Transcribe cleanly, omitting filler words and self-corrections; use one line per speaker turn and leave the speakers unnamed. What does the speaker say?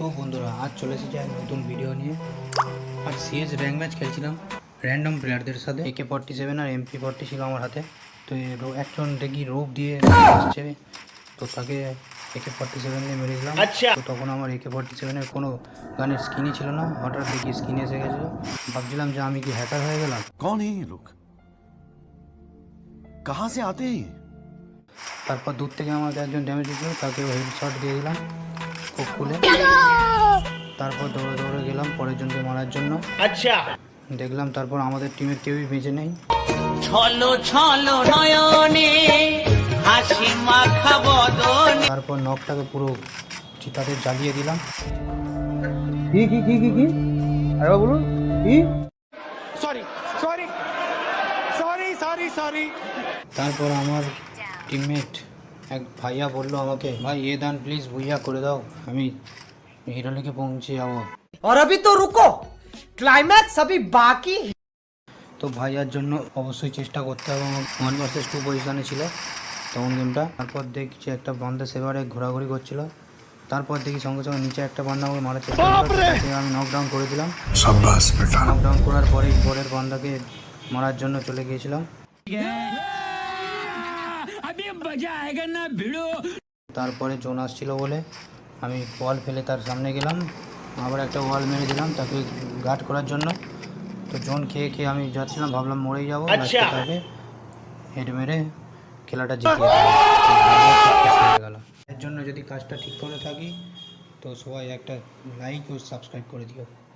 বন্ধুরা, আজ চলে এসেছি এক নতুন ভিডিও নিয়ে। আর সিএস র্যাঙ্ক ম্যাচ খেলছিলাম র্যান্ডম প্লেয়ারদের সাথে। AK-47 আর MP-40 ছিল আমার হাতে। তো একজন দেখি রোপ দিয়ে আসছে, তো তাকে AK-47 দিয়ে মেরে দিলাম। তো তখন আমার AK-47 কোনো গানের স্কিনই ছিল না। হঠাৎ দেখি স্কিন এসে গেছিলো। ভাবছিলাম যে আমি কি হ্যাকার হয়ে গেলাম।
कौन है ये लोग? कहां से आते हैं?
তারপর দূর থেকে আমাকে একজন ড্যামেজ দিয়েছিল, তাকে হেডশট দিয়ে দিলাম খুব খুলে। তারপর দৌড়ে দৌড়ে গেলাম পরের জনকে মারার জন্য। আচ্ছা, দেখলাম তারপর আমাদের টিমের কেউই বেঁচে নেই। তারপর নকটাকে পুরো চিতাতে জ্বালিয়ে দিলাম।
কি আরে বলুন কি? সরি।
তারপর আমার টিমমেট এক ভাইয়া বললো আমাকে, ভাই এ দান প্লিজ ভুইয়া করে দাও, আমি হিরো লিগে পৌঁছে যাবো।
और अभी तो रुको, क्लाइमैक्स अभी बाकी।
তো ভাইয়ার জন্য অবশ্যই চেষ্টা করতে হবে। 1 vs 2 পজিশনে ছিল তখন গেমটা। তারপর দেখছি একটা বান্দা সেভারে ঘোরাঘুরি করছিল। তারপর দেখি সঙ্গে সঙ্গে নিচে একটা বান্দা আমাকে মারার চেষ্টা করলো, তাকে আমি নকডাউন করে দিলাম। নকডাউন করার পরেই পরের বান্দাকে মারার জন্য চলে গিয়েছিলাম। তারপরে জোন আসছিল বলে আমি ওয়াল ফেলে তার সামনে গেলাম, আবার একটা ওয়াল মেরে দিলাম তাকে গার্ড করার জন্য। তো জোন খেয়ে খেয়ে আমি যাচ্ছিলাম, ভাবলাম মরেই যাবো, তাকে হেড মেরে খেলাটা জিতিয়ে গেল। এর জন্য যদি কাজটা ঠিক করে থাকি তো সবাই একটা লাইক ও সাবস্ক্রাইব করে দিও।